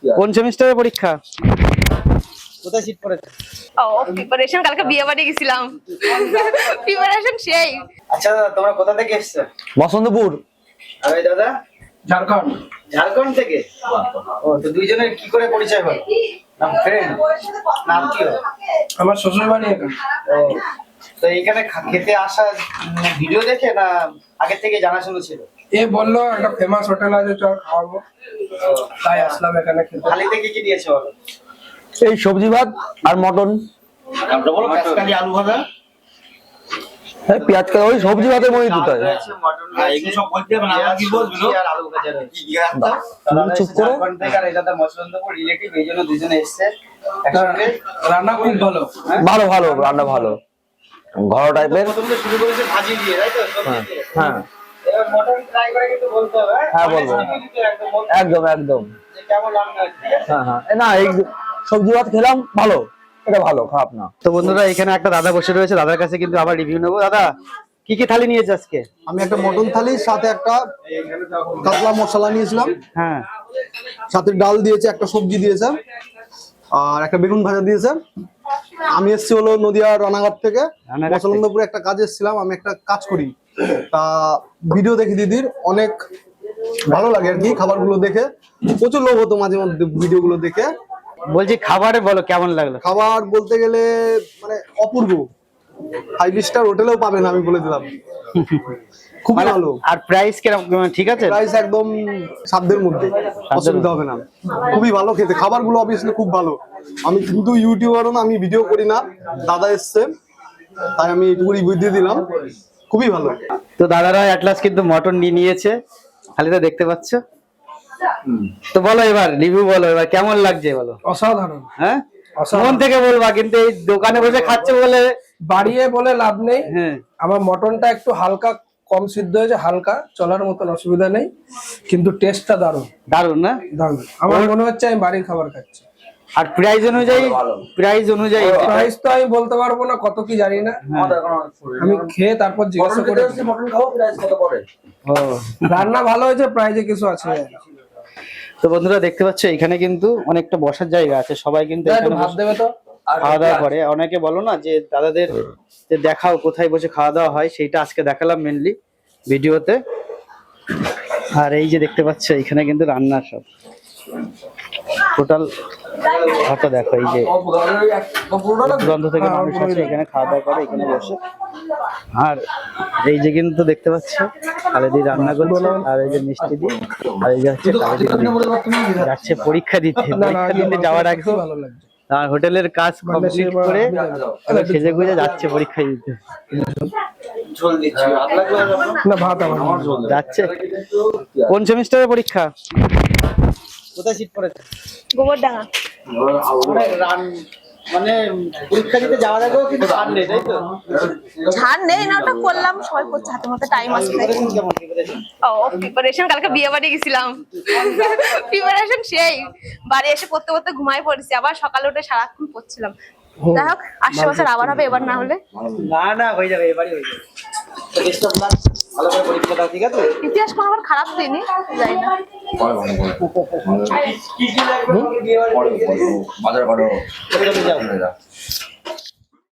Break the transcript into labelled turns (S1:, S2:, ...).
S1: কোন সেমিস্টারের পরীক্ষা?
S2: কোথায় সিট পড়েছে?
S3: ও প্রিপারেশন, কালকে বিয়ে বাড়ি গেছিলাম। প্রিপারেশন সেই।
S2: আচ্ছা তোমরা কোথা থেকে এসেছো?
S1: বসন্তপুর।
S2: আর এই দাদা?
S4: ঝাড়খণ্ড।
S2: ঝাড়খণ্ড থেকে? ও তো দুইজনের কি করে পরিচয় হলো? নাম ফ্রেন্ড? নাম কি?
S4: আমার শ্বশুর বাড়ি এখানে।
S2: ও তো এইখানে খেতে আসা ভিডিও দেখে না আগে থেকে জানাশোনা ছিল?
S4: এ বললো একটা ফেমাস হোটেল আছে, চল খাওয়াবো, তাই আসলাম এখানে খেতে।
S2: থালিতে কি কি দিয়েছে বলো?
S1: এই সবজি ভাত আর মটন।
S2: আলু ভাজা,
S1: পেঁয়াজ কাটা, ওই সবজি ভাতের মধ্যে দুটো।
S2: মটন এগুলো সব বলতে হবে না, আমার কি বলবো আর আলু ভাজা
S1: চুপ করো।
S2: আর এই দাদা মসলন্দপুর রিলেটিভ, এই জন্য দুজনে এসেছে একসঙ্গে।
S4: রান্না খুব ভালো।
S1: ভালো ভালো রান্না ভালো, ঘরোয়া টাইপের।
S2: প্রথমে শুরু করেছে ভাজি দিয়ে, তাই তো? সবজি দিয়ে।
S1: হ্যাঁ
S2: এবার মটন ট্রাই করে কিন্তু বলতে হবে।
S1: হ্যাঁ বলবো, একদম একদম।
S2: যে কেমন রান্না হচ্ছে।
S1: হ্যাঁ হ্যাঁ, না এই সবজি ভাত খেলাম, ভালো, এটা ভালো, খারাপ না।
S5: তো বন্ধুরা এখানে একটা দাদা বসে রয়েছে, দাদার কাছে কিন্তু আবার রিভিউ নেবো। দাদা কি কি থালি নিয়েছে আজকে?
S6: আমি একটা মটন থালি, সাথে একটা কাতলা মশলা নিয়েছিলাম,
S5: হ্যাঁ,
S6: সাথে ডাল দিয়েছে, একটা সবজি দিয়েছে, আর একটা বেগুন ভাজা দিয়েছে। আমি এসেছি হলো নদিয়া রানাঘাট থেকে,
S5: রানাঘাট থেকে।
S6: মসলন্দপুরে একটা কাজে এসেছিলাম। আমি একটা কাজ করি, তা ভিডিও দেখি দিদির, অনেক ভালো লাগে আর কি খাবারগুলো দেখে। প্রচুর লোভ হতো মাঝে মধ্যে ভিডিওগুলো দেখে।
S5: বলছি খাবারে বলো কেমন লাগলো?
S6: খাবার বলতে গেলে মানে অপূর্ব, 5 স্টার হোটেলেও পাবেন আমি বলে দিলাম। খুব ভালো।
S5: আর প্রাইস কিরকম, ঠিক আছে?
S6: প্রাইস একদম সাধ্যের মধ্যে, অসুবিধা হবে না। খুবই ভালো খেতে, খাবারগুলো অবভিয়াসলি খুব ভালো। আমি কিন্তু ইউটিউবারও না, আমি ভিডিও করি না, দাদা এসছে তাই আমি এইটুকু রিভিউ দিয়ে দিলাম। খুবই ভালো।
S5: তো দাদারা অ্যাটলাস কিন্তু মটন নিয়ে নিয়েছে, খালিদা দেখতে পাচ্ছ। তো বলো এবার রিভিউ বলো, এবার কেমন লাগছে বলো।
S4: অসাধারণ।
S5: হ্যাঁ,
S4: অসাধারণ।
S5: মন থেকে বলবা, কিন্তু এই দোকানে বসে খাচ্ছে বলে
S4: বাড়িয়ে বলে লাভ নেই।
S5: হ্যাঁ,
S4: আমার মটনটা একটু হালকা কম সিদ্ধ হয়েছে, হালকা চলার মতন, অসুবিধা নেই, কিন্তু টেস্টটা দারুণ।
S5: দারুণ না?
S4: দারুণ। আমার মনে হচ্ছে আমি বাড়ির খাবার খাচ্ছি।
S5: আর প্রাইস অনুযায়ী, প্রাইস অনুযায়ী
S4: প্রাইস তো আমি বলতে পারবো না, কত কি জানি না, আমি খেয়ে তারপর জিজ্ঞাসা করে।
S5: ও,
S4: রান্না ভালো হয়েছে, প্রাইজে কিছু আছে।
S5: তো বন্ধুরা দেখতে পাচ্ছ এখানে কিন্তু অনেকটা বসার জায়গা আছে, সবাই কিন্তু এখানে
S4: ভাত দেবে তো।
S5: খাওয়া দাওয়া করে। অনেকে বলো না যে দাদাদের যে দেখাও কোথায় বসে খাওয়া দাওয়া হয়, সেইটা আজকে দেখালাম মেনলি ভিডিওতে। আর এই যে দেখতে পাচ্ছ এখানে কিন্তু রান্নার সব টোটাল ঘরটা দেখো, এই যে দূরান্ত থেকে মানুষ আছে এখানে খাওয়া দাওয়া করে এখানে বসে। আর এই যে কিন্তু দেখতে পাচ্ছ খালেদি রান্না করছে, আর এই যে মিষ্টি দি, আর এই যে হচ্ছে খালেদি যাচ্ছে পরীক্ষা দিতে। পরীক্ষা দিতে যাওয়ার আগে
S4: ভালো লাগছে।
S5: আর হোটেলের কাজ কমপ্লিট করে এবার সেজে গুজে যাচ্ছে পরীক্ষা দিতে।
S2: ঝোল দিচ্ছি,
S4: না ভাত আমার
S5: যাচ্ছে। কোন সেমিস্টারের পরীক্ষা?
S2: কোথায় সিট পড়েছে?
S3: গোবরডাঙ্গা।
S2: মানে পরীক্ষা দিতে যাওয়ার আগেও কিন্তু ছাড় নেই, তাই তো?
S3: ছাড় নেই না, ওটা করলাম, সবাই করছে, হাতে মতো টাইম আছে তাই।
S2: কেমন প্রিপারেশন?
S3: ও প্রিপারেশন, কালকে বিয়ে বাড়ি গেছিলাম। প্রিপারেশন সেই। বাড়ি এসে পড়তে পড়তে ঘুমায় পড়েছি, আবার সকালে উঠে সারাক্ষণ পড়ছিলাম। যাই হোক, 80 বছর আবার হবে, এবার না হলে।
S2: না না হয়ে যাবে, এবারই হয়ে যাবে। তো বেস্ট অফ লাক, ভালো করে পরীক্ষা দাও, ঠিক আছে?
S3: ইতিহাস কোনো আবার খারাপ দিইনি, যাই না।
S2: কি কি লাগবে বিয়ে বাড়ি?
S7: বাজার করো,
S2: যাও।